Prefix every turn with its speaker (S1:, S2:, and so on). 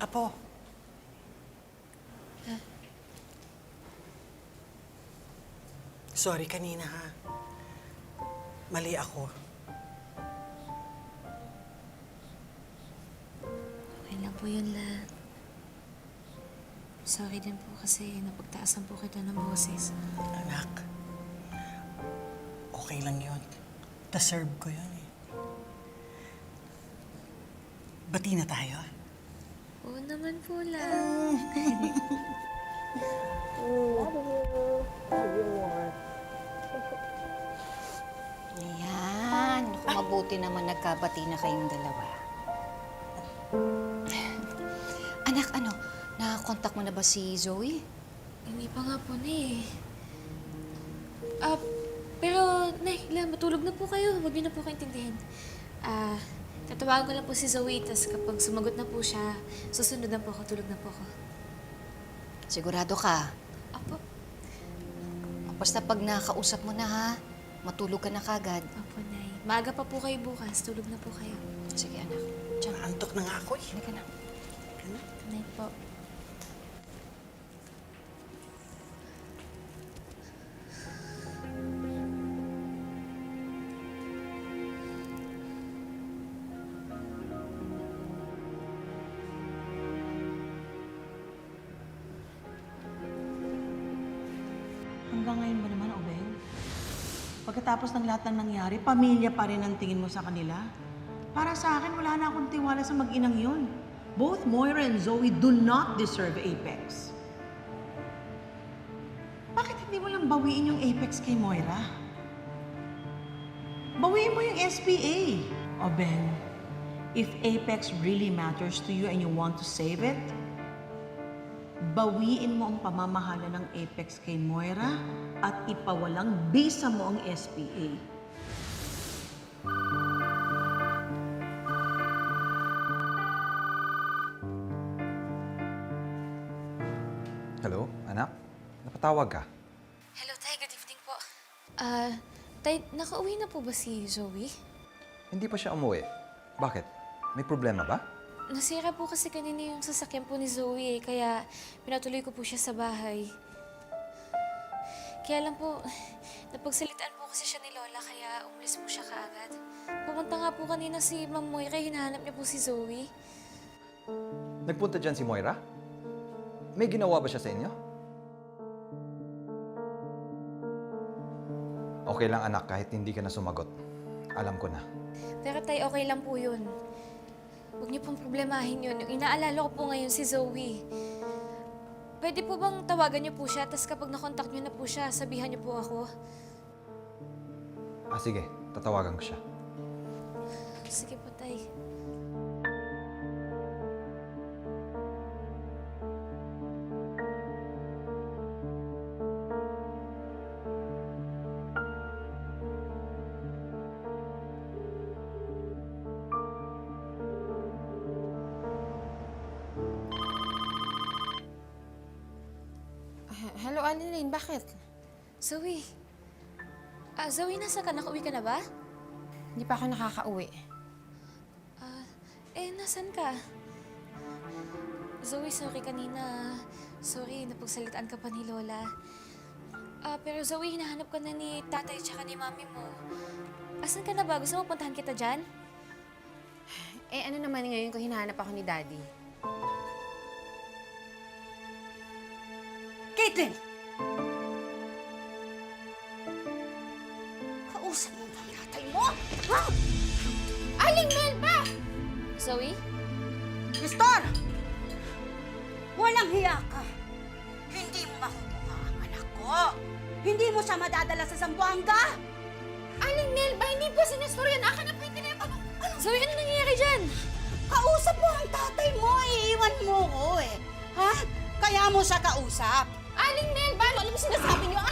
S1: Apo. Sorry kanina, ha? Mali ako.
S2: Okay lang po yun, La. Sorry din po kasi napagtaasan po kita ng boses.
S1: Anak, okay lang yun. Deserve ko yun, eh. Bati na tayo.
S2: Oo naman po, La.
S3: Ayan. Kung mabuti naman nagkabati na kayong dalawa. Anak, nakakontak mo na ba si Zoe?
S2: Hindi pa nga po, Nay. Pero, Nay, La, matulog na po kayo. Huwag niyo na po kaintindihin. Tatawagan ko lang po si Zoe, tas kapag sumagot na po siya, susunod na po ako, tulog na po ako.
S3: Sigurado ka?
S2: Apo.
S3: Basta pag nakakausap mo na ha, matulog ka na kagad.
S2: Apo, Nay. Maaga pa po kayo bukas, tulog na po kayo.
S3: Sige, anak. Diyan.
S1: Antok na nga ako, eh.
S3: Hindi ka na.
S2: Nay po.
S4: Hanggang ngayon ba naman, Obeng? Pagkatapos ng lahat ng nangyari, pamilya pa rin ang tingin mo sa kanila? Para sa akin, wala na akong tiwala sa mag-inang yun. Both Moira and Zoe do not deserve Apex. Bakit hindi mo lang bawiin yung Apex kay Moira? Bawiin mo yung SPA. Obeng, if Apex really matters to you and you want to save it, bawiin mo ang pamamahala ng Apex kay Moira at ipawalang bisa mo ang SPA.
S5: Hello, anak? Napatawag ka?
S2: Hello, Tay. Good evening po. Tay, nakauwi na po ba si Zoe?
S5: Hindi pa siya umuwi. Bakit? May problema ba?
S2: Nasira po kasi kanina yung sasakyan po ni Zoe, kaya pinatuloy ko po siya sa bahay. Kaya lang po, napagsalitaan po kasi siya ni Lola, kaya umalis po siya kaagad. Pumunta nga po kanina si Ma'am Moira, hinahanap niya po si Zoe.
S5: Nagpunta dyan si Moira? May ginawa ba siya sa inyo? Okay lang anak, kahit hindi ka na sumagot. Alam ko na.
S2: Pero Tay, okay lang po yun. Huwag niyo pong problemahin yun. Yung inaalala ko po ngayon si Zoe. Pwede po bang tawagan niyo po siya, tapos kapag nakontak niyo na po siya, sabihan niyo po ako?
S5: Sige, tatawagan ko siya.
S2: Sige po, Tay.
S6: Hello, Annalyn. Bakit?
S2: Zoe. Zoe, nasa ka? Nakauwi ka na ba?
S6: Hindi pa ako nakakauwi.
S2: Nasan ka? Zoe, sorry kanina. Sorry, napagsalitaan ka pa ni Lola. Pero Zoe, hinahanap ka na ni tatay tsaka ni mami mo. Asan ka na ba? Gusto mo puntahan kita dyan?
S6: Ano naman ngayon kung hinahanap ako ni Daddy?
S7: Caitlin! Kausap mo ang tatay mo? Ha?
S6: Aling Melba!
S2: Zoe?
S7: Nestor! Walang hiya ka. Hindi mo makukuha ang anak ko. Hindi mo siya madadala sa Zamboanga.
S6: Aling Melba, hindi po si Nestor yan. Akin na po yung telepono.
S2: Zoe, ano nangyayari dyan?
S7: Kausap mo ang tatay mo. Iiwan mo ko eh. Ha? Kaya mo siya kausap.
S6: Aling Melba, ano mo sinasabi niyo?